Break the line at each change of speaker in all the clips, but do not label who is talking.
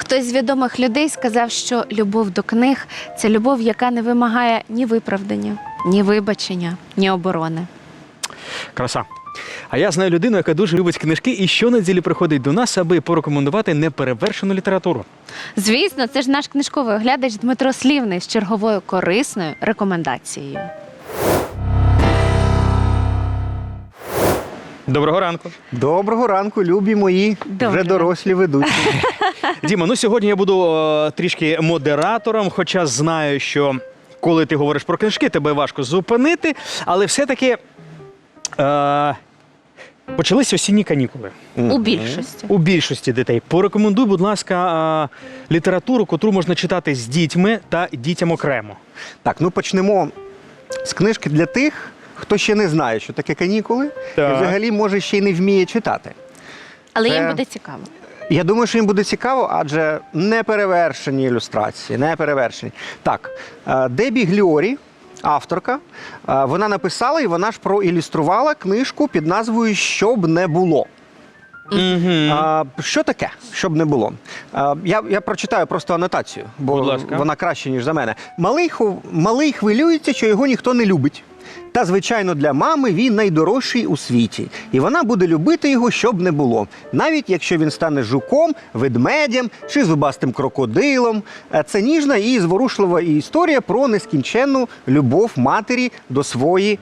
Хтось з відомих людей сказав, що любов до книг – це любов, яка не вимагає ні виправдання, ні вибачення, ні оборони.
Краса. А я знаю людину, яка дуже любить книжки і щонеділі приходить до нас, аби порекомендувати неперевершену літературу.
Звісно, це ж наш книжковий оглядач Дмитро Слівний з черговою корисною рекомендацією.
Доброго ранку.
Доброго ранку, любі мої,
Доброго.
вже дорослі ведучі.
Діма, ну сьогодні я буду трішки модератором, хоча знаю, що коли ти говориш про книжки, тебе важко зупинити, але все-таки почались осінні канікули.
У більшості.
У більшості дітей. Порекомендуй, будь ласка, літературу, котру можна читати з дітьми та дітям окремо.
Так, ну почнемо з книжки для тих, хто ще не знає, що таке канікули,
Так.
і взагалі, може, ще й не вміє читати.
Але
Це-
їм буде цікаво.
Я думаю, що їм буде цікаво, адже неперевершені ілюстрації, неперевершені. Так, Дебі Гліорі, авторка, вона написала і вона ж проілюструвала книжку під назвою «Щоб не було». Що таке, щоб не було? Я прочитаю просто анотацію, бо
Будь ласка.
вона краще, ніж за мене. Малий хвилюється, що його ніхто не любить. Та, звичайно, для мами він найдорожчий у світі. І вона буде любити його, щоб не було. Навіть якщо він стане жуком, ведмедем чи зубастим крокодилом. Це ніжна і зворушлива історія про нескінченну любов матері до своєї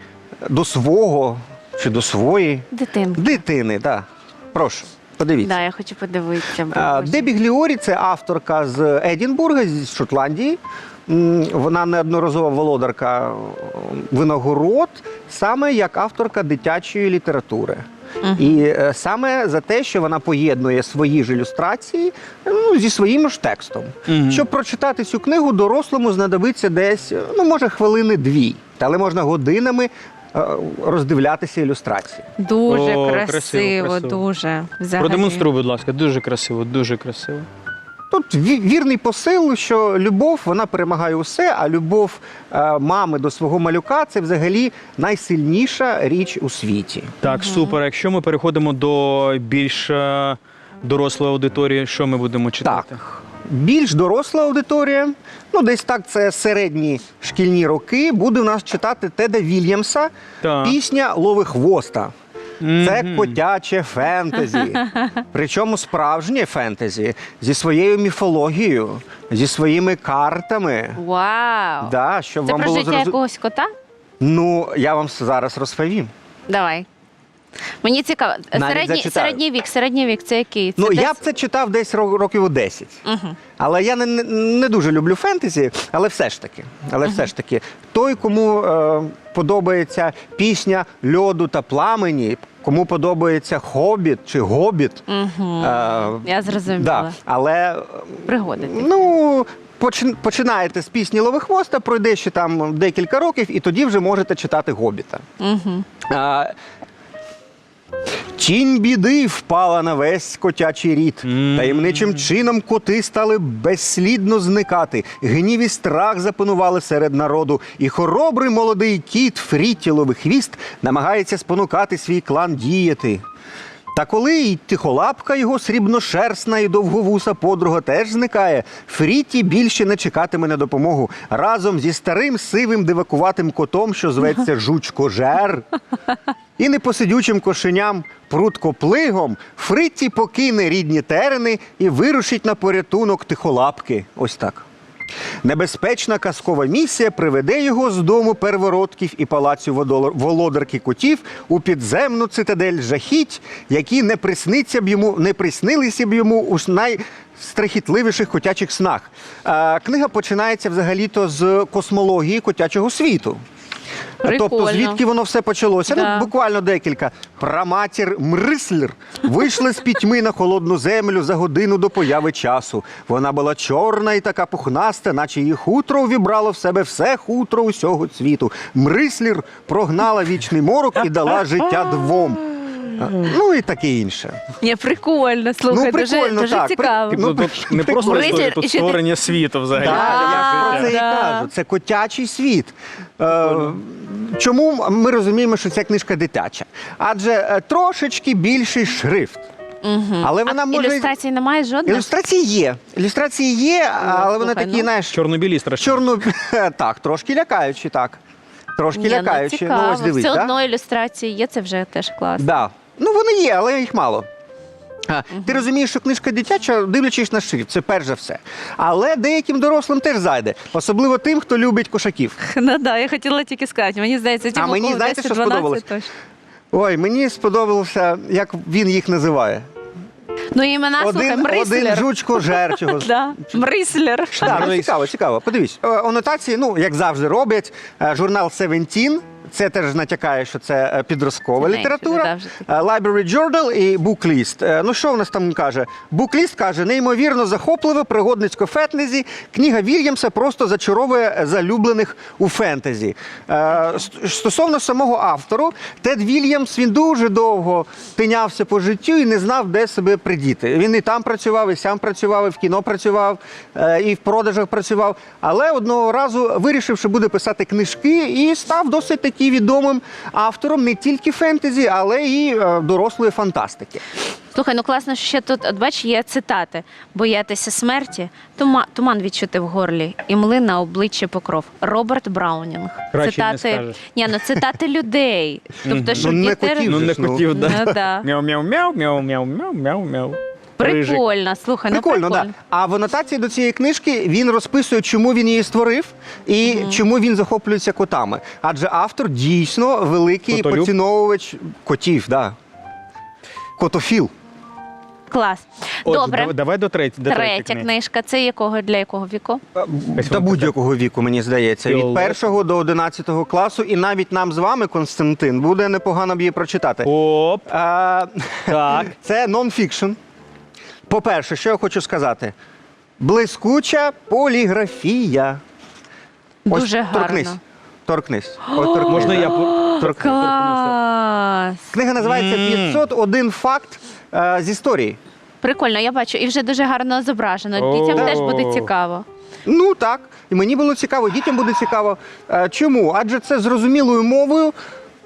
Дитинка.
дитини. Да. Прошу, подивіться.
Да, я хочу подивитися.
Дебі Гліорі – це авторка з Едінбурга, з Шотландії. Вона неодноразова володарка винагород, саме як авторка дитячої літератури. І саме за те, що вона поєднує свої ж ілюстрації зі своїм ж текстом. Щоб прочитати цю книгу, дорослому знадобиться десь, може, хвилини-дві, але можна годинами роздивлятися ілюстрації.
Дуже
О,
красиво,
красиво.
дуже. Взагалі.
Продемонструй, будь ласка, дуже красиво, дуже красиво.
Тут вірний посил, що любов, вона перемагає усе, а любов мами до свого малюка – це взагалі найсильніша річ у світі.
Так, супер. Якщо ми переходимо до більш дорослої аудиторії, що ми будемо читати?
Так, більш доросла аудиторія, десь так, це середні шкільні роки, буде у нас читати Теда Вільямса
Так.
«Пісня Ловихвоста». Це котяче фентезі. Причому справжнє фентезі зі своєю міфологією, зі своїми картами.
Вау!
Да, щоб
Це
вам
про
було
життя якогось кота?
Я вам зараз розповім.
Давай. Мені цікаво.
Навіть зачитаю.
Середній вік, це який? Це
Я б це читав десь років у 10. Але я не дуже люблю фентезі, але все ж таки. Той, кому подобається пісня «Льоду та пламені», кому подобається «Хобіт» чи «Гобіт».
Я зрозуміла.
Да, але
Пригоди.
починаєте з пісні Ловихвоста, пройде ще там декілька років, і тоді вже можете читати «Гобіта». Тінь біди впала на весь котячий рід. Таємничим чином коти стали безслідно зникати. Гнів і страх запанували серед народу. І хоробрий молодий кіт Фрітті Ловихвіст намагається спонукати свій клан діяти. Та коли й тихолапка його срібношерстна і довговуса подруга теж зникає, Фрітті більше не чекатиме на допомогу. Разом зі старим сивим дивакуватим котом, що зветься Жучкожер, і непосидючим кошеням Пруткоплигом, Фрітті покине рідні терени і вирушить на порятунок тихолапки. Ось так. Небезпечна казкова місія приведе його з дому первородків і палацю володарки котів у підземну цитадель жахіть, які не приснилися б йому у найстрахітливіших котячих снах. Книга починається взагалі-то з космології котячого світу.
Прикольно.
Тобто, звідки воно все почалося?
Да.
Буквально декілька. Праматір Мрислер вийшла з пітьми на холодну землю за годину до появи часу. Вона була чорна і така пухнаста, наче її хутро увібрало в себе все хутро усього світу. Мрислер прогнала вічний морок і дала життя двом. І таке інше.
Прикольно, слухай, дуже
так.
цікаво.
Тут не просто
Мрислер,
історія, тут
і ще ти-
створення світу взагалі.
Я про це і кажу. Це котячий світ. Чому ми розуміємо, що ця книжка дитяча? Адже трошечки більший шрифт. Але вона може...
Ілюстрацій немає жодних?
Ілюстрації є, але вони
слухай,
такі,
ну.
знаєш,
Чорно-білі страшні.
Так, трошки лякаючі, так. Трошки
Ні,
лякаючі.
ну, цікаво.
Ось дивись,
Все
да?
одно ілюстрації є, це вже теж класно.
Да. Ну, вони є, але їх мало. Ти розумієш, що книжка дитяча, дивлячись на шрифт, це перш за все. Але деяким дорослим теж зайде. Особливо тим, хто любить кошаків.
Ну так, я хотіла тільки сказати. Мені здається, ті,
мені, знаєте, що сподобалось? Ой, мені сподобалося, як він їх називає.
Ну, імена, слухай,
Один
Мрислер.
жучко жерчого.
Да, Мрислер.
Так, ну, цікаво. Подивись, анотації, ну, як завжди роблять, журнал «Seventeen», це теж натякає, що це підросткова
Тінейджери,
література.
да, вже
Library Journal і Booklist. Ну, що в нас там каже? Booklist каже, неймовірно захопливе пригодницько фентезі. Книга Вільямса просто зачаровує залюблених у фентезі. Стосовно самого автору, Тед Вільямс, він дуже довго тинявся по життю і не знав, де себе придіти. Він і там працював, і сям працював, і в кіно працював, і в продажах працював. Але одного разу вирішив, що буде писати книжки, і став досить такий відомим автором не тільки фентезі, але і дорослої фантастики.
Слухай, ну класно, що ще тут, от бач, є цитати. Боятися смерті, туман відчути в горлі, і мли на обличчі покров. Роберт Браунінг.
Краще не скажеш.
Ні, ну цитати людей. Тобто, щоб
не
діти...
котів.
Ну, не
Ну,
хотів, да.
Ну, да.
Мяу-мяу-мяу, мяу-мяу-мяу, мяу-мяу. Рижик.
Прикольно, слухай,
Прикольно,
ну
так.
прикольно.
А в анотації до цієї книжки він розписує, чому він її створив і чому він захоплюється котами. Адже автор дійсно великий
Котолюб?
поціновувач котів, да. Котофіл.
Клас.
Отже,
Добре.
давай до третьої
Третя
книги.
книжка. Це для якого віку?
Та будь-якого віку, мені здається. Від
Фіолет.
1 до 11 класу. І навіть нам з вами, Константин, буде непогано б її прочитати.
Оп,
А,
так.
Це нон-фікшн. По-перше, що я хочу сказати? Блискуча поліграфія. Ось
Дуже гарно.
Торкнись. Ось торкнись.
Можна я торкнуся?
Клас.
Книга називається «501 факт з історії».
Прикольно, я бачу. І вже дуже гарно зображено. Дітям
О.
теж буде цікаво.
Ну так, і мені було цікаво, дітям буде цікаво. Чому? Адже це зрозумілою мовою.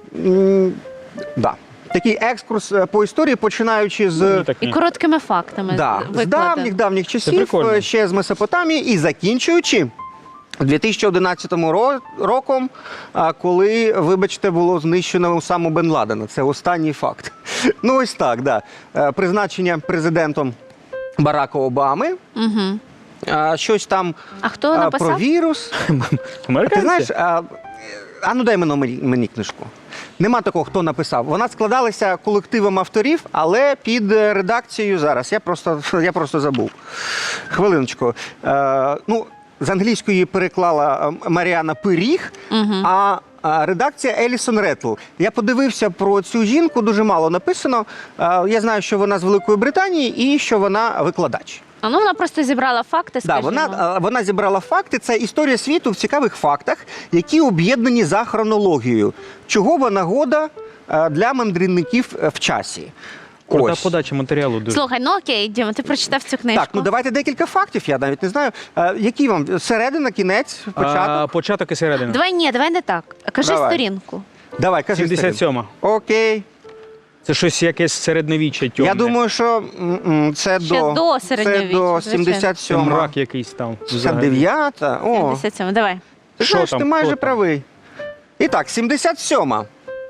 Да. Такий екскурс по історії, починаючи з,
Мені так
І
ні.
короткими фактами
з
викладено.
давніх часів,
прикольно.
ще з Месопотамії, і закінчуючи 2011 роком, коли, вибачте, було знищено саму Бен Ладена. Це останній факт. Ну ось так, да. Призначення президентом Барака Обами.
Угу.
Щось там
А хто написав?
про вірус. Ти
Американці?
знаєш, ну дай мені книжку. Нема такого, хто написав. Вона складалася колективом авторів, але під редакцією зараз. Я просто забув. Хвилиночку. Ну, з англійської її переклала Маріана Пиріг, а редакція Елісон Реттл. Я подивився про цю жінку, дуже мало написано. Я знаю, що вона з Великої Британії і що вона викладач.
А ну вона просто зібрала факти,
Да,
скажімо.
вона зібрала факти. Це історія світу в цікавих фактах, які об'єднані за хронологією. Чого нагода для мандрівників в часі.
Крута
Ось.
подача матеріалу дуже.
Слухай, ну окей, Діма, ти прочитав цю книжку.
Так, ну давайте декілька фактів, я навіть не знаю. Які вам? Середина, кінець, початок?
Початок і середина.
Давай не так. Кажи
Давай.
сторінку.
Давай, кажи.
77-ма.
Окей.
Це щось якесь середньовіччя тьомне.
Я думаю, що це
Ще до середньовіччя,
Це до
звичайно.
Це
77-ма.
мрак якийсь там. взагалі.
79-та? О,
77, давай.
ти
Що
знаєш,
там?
ти майже
Хто там?
правий. І так, 77-ма.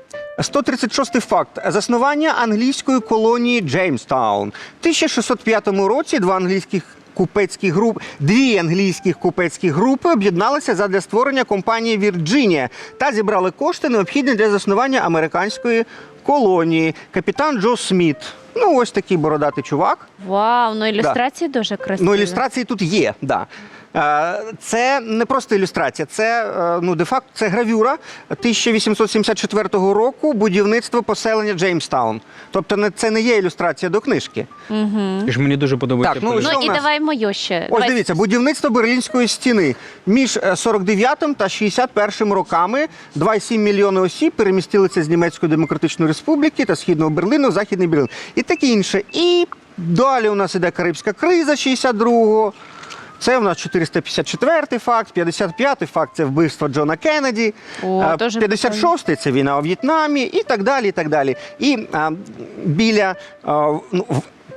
136 факт. Заснування англійської колонії Джеймстаун. В 1605 році дві англійських купецькі групи об'єдналися задля створення компанії «Вірджинія» та зібрали кошти, необхідні для заснування американської колонії. Капітан Джо Сміт. Ну, ось такий бородатий чувак.
Вау, ну ілюстрації дуже красиві.
Ну, ілюстрації тут є, да. Це не просто ілюстрація, це, де-факто, це гравюра 1874 року будівництво поселення Джеймстаун. Тобто це не є ілюстрація до книжки.
І ж мені дуже подобається.
Так, ну,
поліграфія.
Ну
що
і
в нас?
давай мою ще.
Ось
Давай.
дивіться, будівництво Берлінської стіни. Між 49-м та 61-м роками 2,7 мільйони осіб перемістилися з Німецької Демократичної Республіки та Східного Берліну в Західний Берлін. І таке інше. І далі у нас іде Карибська криза 62-го. Це у нас 454-й факт, 55-й факт – це вбивство Джона Кеннеді,
О, дуже
56-й – це війна у В'єтнамі і так далі, і так далі. І біля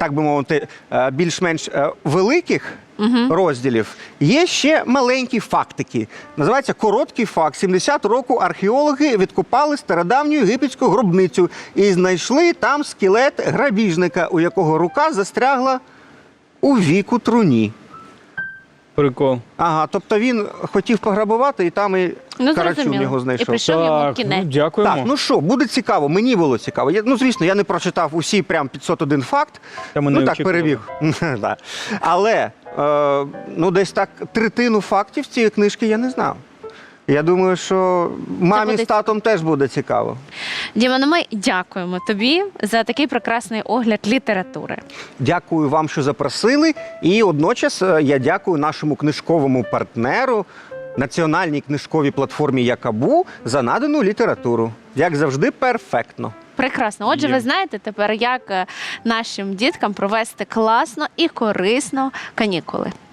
так би мовити, більш-менш великих розділів, є ще маленькі фактики. Називається короткий факт. 70 року археологи відкопали стародавню єгипетську гробницю і знайшли там скелет грабіжника, у якого рука застрягла у віку труні.
Прикол.
Ага, тобто він хотів пограбувати, і там і карачун
зрозуміло.
його
І
знайшов.
прийшов йому
Так,
кінець.
дякуємо.
Так, ну що, буде цікаво, мені було цікаво. Звісно, я не прочитав усі прям 501 факт.
Та ми не
так,
очікували.
перебіг. Да. Але, десь так третину фактів цієї книжки я не знав. Я думаю, що мамі
буде
з татом теж буде цікаво.
Діма, ну ми дякуємо тобі за такий прекрасний огляд літератури.
Дякую вам, що запросили. І одночас я дякую нашому книжковому партнеру, національній книжковій платформі Якабу, за надану літературу. Як завжди, перфектно.
Прекрасно. Отже,
Є.
ви знаєте тепер, як нашим діткам провести класно і корисно канікули.